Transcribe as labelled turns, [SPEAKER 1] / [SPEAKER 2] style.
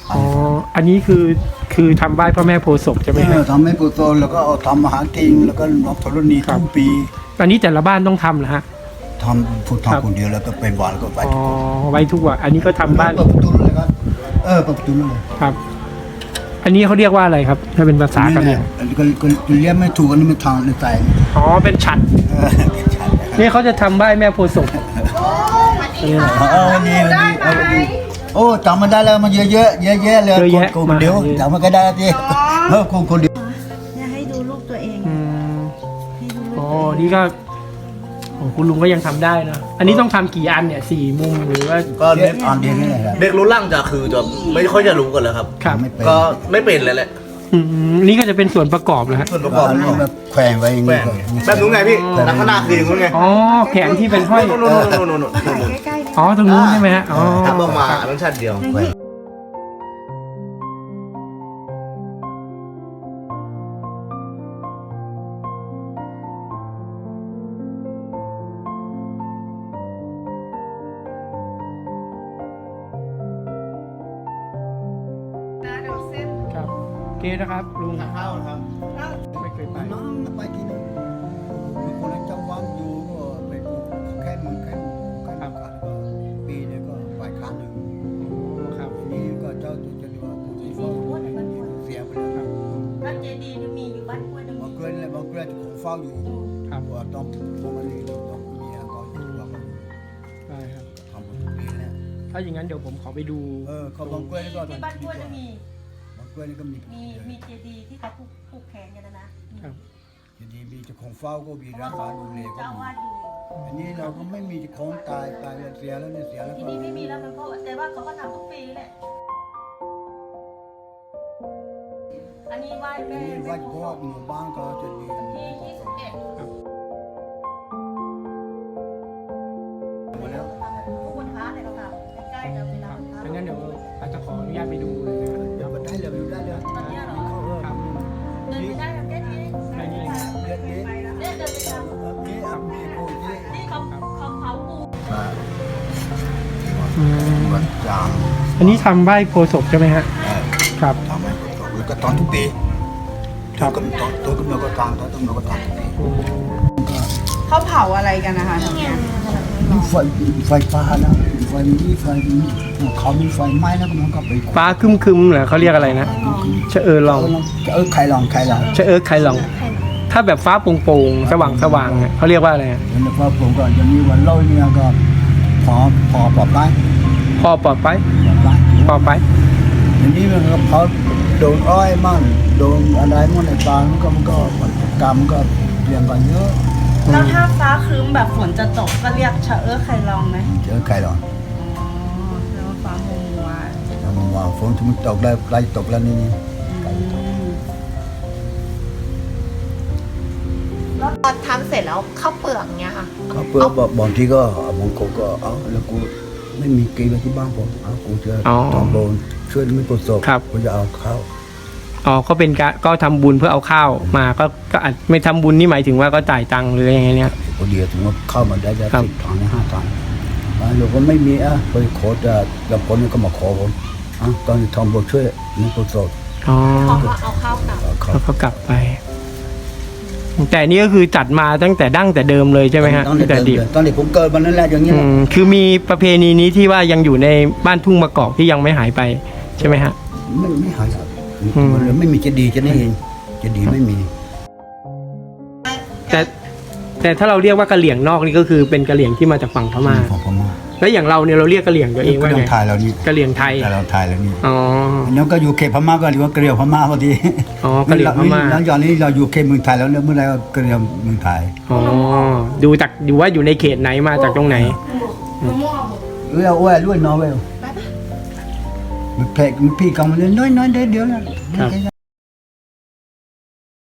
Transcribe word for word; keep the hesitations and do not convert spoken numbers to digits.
[SPEAKER 1] อ๋ออันนี้คือคือทำไหว้พระแม่โพธิ์ศพใช่ไหม
[SPEAKER 2] เอ
[SPEAKER 1] ครั
[SPEAKER 2] อบ ทำให้ปูโตแล้วก็เอาทำอาหารกินแล้วก็นกธรณีทุกปี
[SPEAKER 1] อันนี้แต่ละบ้านต้องทำเหรอฮะ
[SPEAKER 2] ทำพูด
[SPEAKER 1] ครับ
[SPEAKER 2] ทำคนเดียวแล้วก็เป็นวันแล้วก็ไป
[SPEAKER 1] อ๋อไว้ทุกวันอันนี้ก็ทำบ้าน
[SPEAKER 2] เปิดประตูเลยครับเออเปิดประตูเลย
[SPEAKER 1] ครับ อันนี้เขาเรียกว่าอะไรครับ ถ้าเป็นภาษากะเหรี่ยง
[SPEAKER 2] อันนี้ก็ก็เรียกไม่ถูกอันนี้มันทางในใจ
[SPEAKER 1] อ๋อเป็นฉัด
[SPEAKER 2] เออเป็นชั้น
[SPEAKER 1] นี่เขาจะทำไหว้แม่โพธิ์ศพ
[SPEAKER 2] เออวันนี้วันนี้เอาวันนี้โอ้จำมันได้แล้วมันเยอะเยอะเยอะแยะเลยคนคนเดียวจำมันก็ได้ที่เออคนคนเดียว
[SPEAKER 3] เนี่ยให้ดูรูปตัวเอง
[SPEAKER 1] อืม
[SPEAKER 3] ให้ดูรูป
[SPEAKER 1] อ๋อ
[SPEAKER 3] ตัวเอง
[SPEAKER 1] นี่ก็โอ้คุณลุงก็ยังทำได้นะอันนี้ต้องทำกี่อันเนี่ยสี่มุมหรือว่า
[SPEAKER 4] ก็
[SPEAKER 2] เด็
[SPEAKER 4] เด็
[SPEAKER 2] ก
[SPEAKER 4] ก
[SPEAKER 2] อ่อนเดียวนี่แหละครับ
[SPEAKER 4] เด็กรุ่นล่างจะคือจะไม่ค่อยจะรู้กันแล้วครับ
[SPEAKER 1] ครับ
[SPEAKER 2] ไม่เป็น
[SPEAKER 4] ก็ไม่เป็นเลยแหละ
[SPEAKER 1] อืมนี่ก็จะเป็นส่วนประกอบนะฮะ
[SPEAKER 4] ส่วนประกอบ
[SPEAKER 2] อันนี้แบบแขวนไว้อย่าง
[SPEAKER 4] แหว
[SPEAKER 2] นี้
[SPEAKER 4] งแบบนู้นไงพี่ลักษณะคืออย่างนู้นไง
[SPEAKER 1] อ๋อแขนที่เป็นห้อย
[SPEAKER 4] โน่นโน่นโน่นโน่นโน่น
[SPEAKER 3] ถ่ายใกล้ๆดิ
[SPEAKER 1] อ๋อตรงนู้นใช่ไหมฮะอ๋อ
[SPEAKER 4] ทำออกมาอันนั้นชัดเดียว
[SPEAKER 2] แขวน
[SPEAKER 1] ครับโอเคนะครับลุง
[SPEAKER 4] ข้าวครับ
[SPEAKER 1] ไม่เคยไป
[SPEAKER 2] น้องไปกินมีคนจังหวัดอยู่ก็ไปปลูกแค่มือแค่แค่กันก็ปีนึงก็ไปครั้งหนึ่ง
[SPEAKER 1] ครับ
[SPEAKER 2] อันนี้ก็เจ้าตัวจะดูว่าผู้ที่เฝ้าเสียไปแล้วครับ
[SPEAKER 3] บ้านเจดีย์มีอยู่บ้านกล้วยนึง
[SPEAKER 2] บางเกินเลยบางเกินของเฝ้าอยู่
[SPEAKER 1] ครับ
[SPEAKER 2] ว่าต้องต้องมานี่ต้องเมียก็อยู่ว่าก็อยู่
[SPEAKER 1] ได้ครับ
[SPEAKER 2] ทำหมดทุกปีแล้ว
[SPEAKER 1] ถ้าอย่างนั้นเดี๋ยวผมขอไปดู
[SPEAKER 2] เออเขาบางเกินก็
[SPEAKER 3] ที่บ้านกล้วยจะมี
[SPEAKER 2] บางเกินก็มี
[SPEAKER 3] มีมีเจดีย์ที่เขาผูกผูกแขนกันนะนะครับ
[SPEAKER 2] ทีนี้มีเจ้าของเฝ้าก็มีรักษาดูแลก็
[SPEAKER 3] เจ้า
[SPEAKER 2] มี
[SPEAKER 3] วาดอยู่
[SPEAKER 2] อันนี้เราก็ไม่มีเจ้าของตายตายแล้วเสียแล้วเนี่ยเสียแล้ว
[SPEAKER 3] ที่
[SPEAKER 2] ก็
[SPEAKER 3] นี่ไม่มีแล้วมันก็แต่ว่าเขาก็ทำทุกปีแหละอันนี้ไหว้
[SPEAKER 2] อัน
[SPEAKER 3] แม่
[SPEAKER 2] นี้
[SPEAKER 3] แม่
[SPEAKER 2] วัด
[SPEAKER 3] โพ
[SPEAKER 2] พ่อ
[SPEAKER 3] ธิ์ศพ
[SPEAKER 2] หมู่บ้านก็จะดี
[SPEAKER 3] ที่ยี่สิบเอ็ด
[SPEAKER 2] หมดแล้ว
[SPEAKER 3] ทุกวันพระเนี่ยเขาทำใกล้ๆจะเป็นวันพระ
[SPEAKER 1] ดังนั้นเดี๋ยวอาจจะขออนุญาตไปดูเลยนะครับ
[SPEAKER 2] เดี๋ยวก็ได้เลยได้เลย
[SPEAKER 3] ตอนเนี้ยเหรอ
[SPEAKER 2] เขาเออ
[SPEAKER 1] ครับ
[SPEAKER 3] เดินไปได้ทำแค่นี้
[SPEAKER 1] ได้นี่
[SPEAKER 2] เดือนนี้
[SPEAKER 3] เนี่ยเดินไปทำ
[SPEAKER 2] มีอ่ะมีผู้ที่
[SPEAKER 3] ที่เขาเขาเผาปู
[SPEAKER 1] อืม
[SPEAKER 2] วัดจาง
[SPEAKER 1] อันนี้ทำไหว้โพธิ์ศพใช่ไหมฮะ
[SPEAKER 2] เออ
[SPEAKER 1] ครับ
[SPEAKER 2] ทำให้แล้วก็ตอนทุกปี
[SPEAKER 1] ครับ
[SPEAKER 2] ตัวกำตัวตัวกำเนิดก็ตามตัวกำเนิดก็ตามทุกปี
[SPEAKER 5] เขาเผาอะไรกันนะคะทำไม
[SPEAKER 2] ไฟไฟฟ้านะไฟนี้ไฟนี้เขามีไฟไหม้แล้วมันก็ไป
[SPEAKER 1] ฟ้าคึมคึมๆเหรอเขาเรียกอะไรนะเชะเออลอง
[SPEAKER 2] เออใครลองใครลอง
[SPEAKER 1] เชะเออใครลอง ถ้าแบบฟ้าโปร่งๆสว่างสว่างๆเนี่ยเขาเรียกว่าอะไรอะ
[SPEAKER 2] แล้วก็ผมก็จะมีวันเล่าเนี่ยก็พอพอปลอดภัย
[SPEAKER 1] พอปลอดไป
[SPEAKER 2] ปลอดภัย
[SPEAKER 1] ปลอดไป
[SPEAKER 2] ทีนี้มันก็เขาโดนอ้อยมั่งโดนอะไรมั่งในปลามันก็มันก็กรรมก็เปลี่ยนไปเยอะ
[SPEAKER 5] แล้วถ้าฟ้าครึ้มแบบฝนจะตกก็เรียกชะเออใครลองไหม
[SPEAKER 2] เจอใครหรอ
[SPEAKER 5] อ๋อแล้วาฟ้ามัวมัว
[SPEAKER 2] แล้วมันว่าฝนที่มันตกแล้วใกล้ตกแล้วนี่นี่ใกล้ตก
[SPEAKER 6] แล้วตอนทำเสร็จแล้วข้าวเปลือกเนี้ยค่ะ
[SPEAKER 2] เขาเพื่อบางทีก็บางคนก็เอาแล้วกูไม่มีกีไว้ที่บ้านผมเอากูจะ
[SPEAKER 1] อ๋อ
[SPEAKER 2] ทำโบนช่วยไม่ประสบ
[SPEAKER 1] ครับ
[SPEAKER 2] กูจะเอาข้าว
[SPEAKER 1] อ๋อก็เป็นการก็ทำบุญเพื่อเอาข้าวมาก็ก็อาจไม่ทำบุญนี่หมายถึงว่าก็จ่ายตังค์หรือยังไงเนี่ย
[SPEAKER 2] พอดีถึงว่าเข้ามาได้จะ
[SPEAKER 1] ครับ
[SPEAKER 2] สิบถังห้าถังอ่าเราก็ไม่มีอ่ะไปขอจะแล้วคนนี้ก็มาขอผมอ่ะตอนนี้ทำโบนช่วยไม่ประสบ
[SPEAKER 1] อ๋อ
[SPEAKER 6] เขาก็เอาข้าวกลับ
[SPEAKER 2] เอาข้าว
[SPEAKER 1] แล้วก็กลับไป แต่นี่ก็คือจัดมาตั้งแต่ดั้งแต่เดิมเลยใช่ไหมฮะ
[SPEAKER 2] ตอน
[SPEAKER 1] ตั้งแต่
[SPEAKER 2] เด็
[SPEAKER 1] ดิ
[SPEAKER 2] ก
[SPEAKER 1] บ
[SPEAKER 2] ๆตอนเด็กผมเกิดวันนั้นแหละอย่างนี้
[SPEAKER 1] อื
[SPEAKER 2] แหละ
[SPEAKER 1] มคือมีประเพณีนี้ที่ว่ายังอยู่ในบ้านทุ่งมะกอกที่ยังไม่หายไปใช่ไหมฮะ
[SPEAKER 2] ไม่ไม่หายสัก
[SPEAKER 1] อืม
[SPEAKER 2] มันเลยไม่มีจะดีจะนี่เองจะดีไม่มี
[SPEAKER 1] แต่แต่ถ้าเราเรียกว่ากะเหลี่ยงนอกนี่ก็คือเป็นกะเหลี่ยงที่มาจากฝั่งพม่า
[SPEAKER 2] ของพม่า
[SPEAKER 1] แล้วอย่างเราเนี่ยเราเรียกกะเหลี่ยงตัวเองว่า
[SPEAKER 2] ก็ต้
[SPEAKER 1] ไง
[SPEAKER 2] องทายเรานี่
[SPEAKER 1] กะเหลี่ยงไทย
[SPEAKER 2] แต่เราทายแล้วนี่
[SPEAKER 1] อ๋อ
[SPEAKER 2] แล้วก็อยู่เขตพม่าก็เรียกว่าเกลียวพม่าพอดี
[SPEAKER 1] อ๋อกะเหลี่ยงพม่า
[SPEAKER 2] หลังจากนี้เราอยู่เขตเมืองไทยแล้วเนี่ยเมื่อไรก็เกลียวเมืองไทย
[SPEAKER 1] อ๋อดูจากดูว่าอยู่ในเขตไหนมาจากตรงไหน
[SPEAKER 2] เออเอาไว้ด้วยน้อยไว้มันแพกมันพี่กำมันน้อยน้อยๆเดียวๆนะครับ